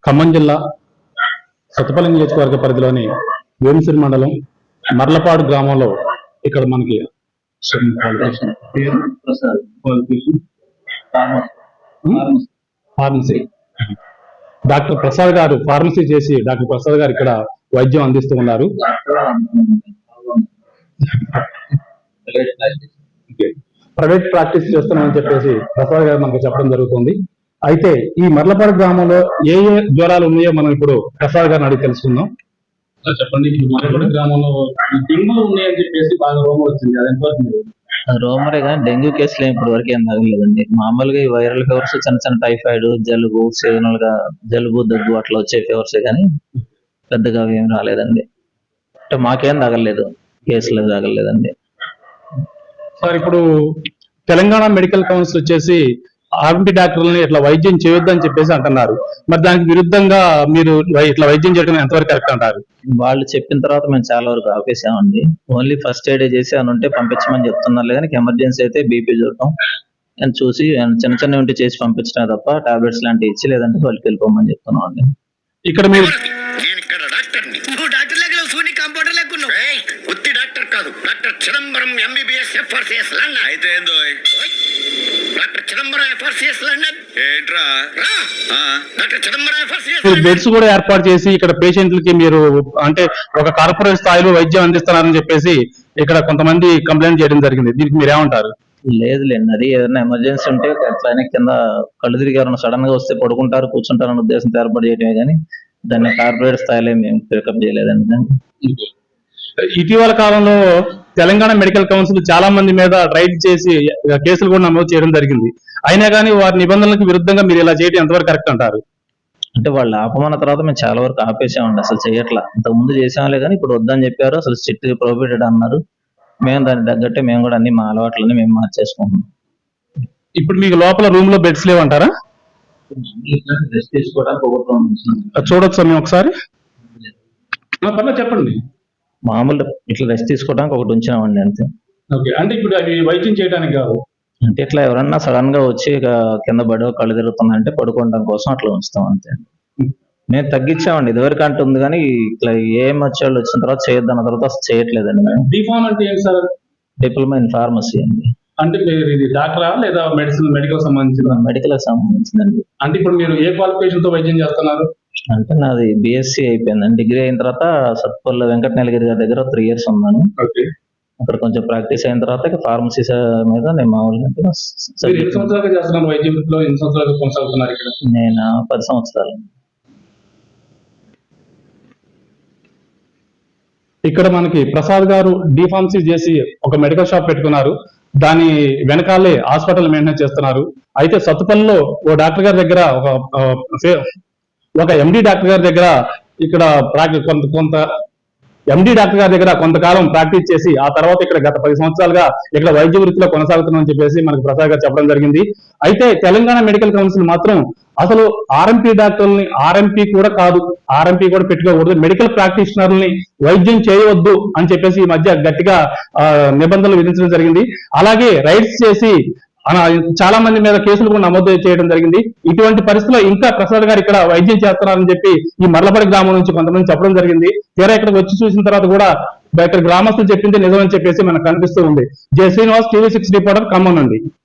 ఖమ్మం జిల్లా సత్తుపల్లి నియోజకవర్గ పరిధిలోని వేముసిరి మండలం మర్లపాడు గ్రామంలో ఇక్కడ మనకి ఫార్మసీ డాక్టర్ ప్రసాద్ గారు ఫార్మసీ చేసి డాక్టర్ ప్రసాద్ గారు ఇక్కడ వైద్యం అందిస్తూ ఉన్నారు. ప్రైవేట్ ప్రాక్టీస్ చేస్తున్నామని చెప్పేసి ప్రసాద్ గారు మనకు చెప్పడం జరుగుతుంది. అయితే ఈ మర్లపాడు గ్రామంలో ఏ ఏ జ్వరాలు ఉన్నాయో మనం ఇప్పుడు ప్రసాద్ గారిని అడిగి తెలుసుకుందాం. చెప్పండి, మర్లపాడు గ్రామంలో డెంగ్యూ ఉన్నాయని చెప్పేసి బాగా రోమర్ వచ్చింది, అది ఎంతవరకు? రోమరే కానీ డెంగ్యూ కేసులు ఇప్పటి వరకు ఏం తగలేదండి. మామూలుగా ఈ వైరల్ ఫీవర్స్, చిన్న చిన్న టైఫాయిడ్, జలుబు, సీజనల్ గా జలుబు, దగ్గు అట్లా వచ్చే ఫీవర్సే కానీ పెద్దగా ఏం రాలేదండి. అంటే మాకేం తగలేదు, కేసులు తగలేదండి. సార్, ఇప్పుడు తెలంగాణ మెడికల్ కౌన్సిల్ వచ్చేసి ఆర్ఎంపీ డాక్టర్లని ఇట్లా వైద్యం చేయొద్దని చెప్పేసి అంటున్నారు. మరి దానికి విరుద్ధంగా మీరు ఇట్లా వైద్యం చేయడం ఎంతవరకు కరెక్ట్ అంటారు? వాళ్ళు చెప్పిన తర్వాత మేము చాలా వరకు ఆపేసామండి. ఓన్లీ ఫస్ట్ ఎయిడ్ చేసి అని ఉంటే పంపించమని చెప్తున్నారు. కానీ ఎమర్జెన్సీ అయితే బీపీ చూడటం అని చూసి చిన్న చిన్న ఉంటే చేసి పంపించడం తప్ప టాబ్లెట్స్ లాంటివి ఇచ్చి లేదంటే వాళ్ళకి వెళ్ళిపోమని చెప్తున్నాం అండి. ఇక్కడ మీరు చిదంబరం ఎంబీబీఎస్ ఎఫ్ఆర్సిఎస్ లండన్ అయితే ఏందో డాక్టర్ చిదంబరం ఎఫ్ఆర్సిఎస్ లండన్ ఏంట్రా డాక్టర్ చిదంబరం ఎఫ్ఆర్సిఎస్ బెడ్స్ కూడా ఏర్పాటు చేసి ఇక్కడ పేషెంట్లకి మీరు అంటే ఒక కార్పొరేట్ స్థాయిలో వైద్యం అందిస్తున్నారని చెప్పేసి ఇక్కడ కొంతమంది కంప్లైంట్ చేయడం జరిగింది. దీనికి మీరు ఏమంటారు? లేదులేండి, అది ఏదైనా ఎమర్జెన్సీ ఉంటే అట్లనే కింద కళ్ళు తిరిగి ఎవరైనా సడన్ గా వస్తే పడుకుంటారు, కూర్చుంటారు అనే ఉద్దేశంతో ఏర్పాటు చేయడమే కానీ దాన్ని కార్పొరేట్ స్థాయిలో మేము పికప్ చేయలేదండి. ఇటీవల కాలంలో తెలంగాణ మెడికల్ కౌన్సిల్ చాలా మంది మీద రైడ్ చేసి కేసులు కూడా నమోదు చేయడం జరిగింది. అయినా కానీ వారి నిబంధనలకు విరుద్ధంగా మీరు ఇలా చేయడం ఎంతవరకు కరెక్ట్ అంటారు? అంటే వాళ్ళు ఆపమన్న తర్వాత మేము చాలా వరకు ఆపేసామండి, అసలు చేయట్లా. ఇంతకు ముందు చేసాంలే కానీ ఇప్పుడు వద్దని చెప్పారు, అసలు స్ట్రిక్ట్ ప్రొహిబిటెడ్ అన్నారు. మేము దాన్ని తగ్గట్టే మేము కూడా అన్ని మా అలవాట్లని మేము మార్చేసుకుంటున్నాం. ఇప్పుడు మీకు లోపల రూమ్ లో బెడ్స్ లేవంటారా? రెస్ట్ తీసుకోవడానికి చూడొచ్చు మేము ఒకసారి, చెప్పండి. మామూలు ఇట్లా రెస్ట్ తీసుకోవడానికి ఒకటి ఉంచామండి అంతే. అంటే ఇప్పుడు అవి వైద్యం చేయడానికి కాదు, అంటే ఇట్లా ఎవరన్నా సడన్ గా వచ్చి కింద పడి కళ్ళు తిరుగుతుందంటే పడుకోవడం కోసం అట్లా ఉంచుతాం అంతే. మేము తగ్గించామండి, ఇదివరకు అంటుంది కానీ ఇట్లా ఏం వచ్చేవాళ్ళు వచ్చిన తర్వాత చేయొద్దన్న తర్వాత అసలు చేయట్లేదండి. మేము డిఫార్మ్ అంటే ఏంటి సార్? డిప్లొమా ఇన్ ఫార్మసీ అండి. అంటే ఇది డాక్టరా లేదా మెడికల్ సంబంధించిన? మెడికల్ సంబంధించిందండి. అంటే ఇప్పుడు మీరు ఏ క్వాలిఫికేషన్ తో వైద్యం చేస్తున్నారు? అంటే నాది బిఎస్సీ అయిపోయిందండి. డిగ్రీ అయిన తర్వాత సత్పల్లి వెంకట నీలగిరి గారి దగ్గర 3 years ఉన్నాను. అక్కడ కొంచెం ప్రాక్టీస్ అయిన తర్వాత ఫార్మసీ మీద నేను మామూలుగా నేను 10 సంవత్సరాలు. ఇక్కడ మనకి ప్రసాద్ గారు డిఫార్మసీ చేసి ఒక మెడికల్ షాప్ పెట్టుకున్నారు. దాని వెనకాలే హాస్పిటల్ మెయింటైన్ చేస్తున్నారు. అయితే సత్తుపల్లిలో ఓ డాక్టర్ గారి దగ్గర ఒక ఎండి డాక్టర్ గారి దగ్గర ఇక్కడ ఎండి డాక్టర్ గారి దగ్గర కొంతకాలం ప్రాక్టీస్ చేసి ఆ తర్వాత ఇక్కడ గత 10 సంవత్సరాలుగా ఇక్కడ వైద్య వృత్తిలో కొనసాగుతున్నామని చెప్పేసి మనకు ప్రసాద్ గారు చెప్పడం జరిగింది. అయితే తెలంగాణ మెడికల్ కౌన్సిల్ మాత్రం అసలు ఆర్ఎంపీ డాక్టర్లని ఆర్ఎంపీ కూడా కాదు, ఆర్ఎంపీ కూడా పెట్టుకోకూడదు, మెడికల్ ప్రాక్టీషనర్ని వైద్యం చేయవద్దు అని చెప్పేసి ఈ మధ్య గట్టిగా నిబంధనలు విధించడం జరిగింది. అలాగే రైడ్స్ చేసి చాలా మంది మీద కేసులు కూడా నమోదు చేయడం జరిగింది. ఇటువంటి పరిస్థితుల్లో ఇంకా ప్రసాద్ గారు ఇక్కడ వైద్యం చేస్తున్నారని చెప్పి ఈ మర్లపాడు గ్రామం నుంచి కొంతమంది చెప్పడం జరిగింది. తీరా ఇక్కడికి వచ్చి చూసిన తర్వాత కూడా ఇక్కడ గ్రామస్తులు చెప్పింది నిజమని చెప్పేసి మనకు కనిపిస్తూ ఉంది. J Srinivas, TV6 reporter, Khammam నుండి.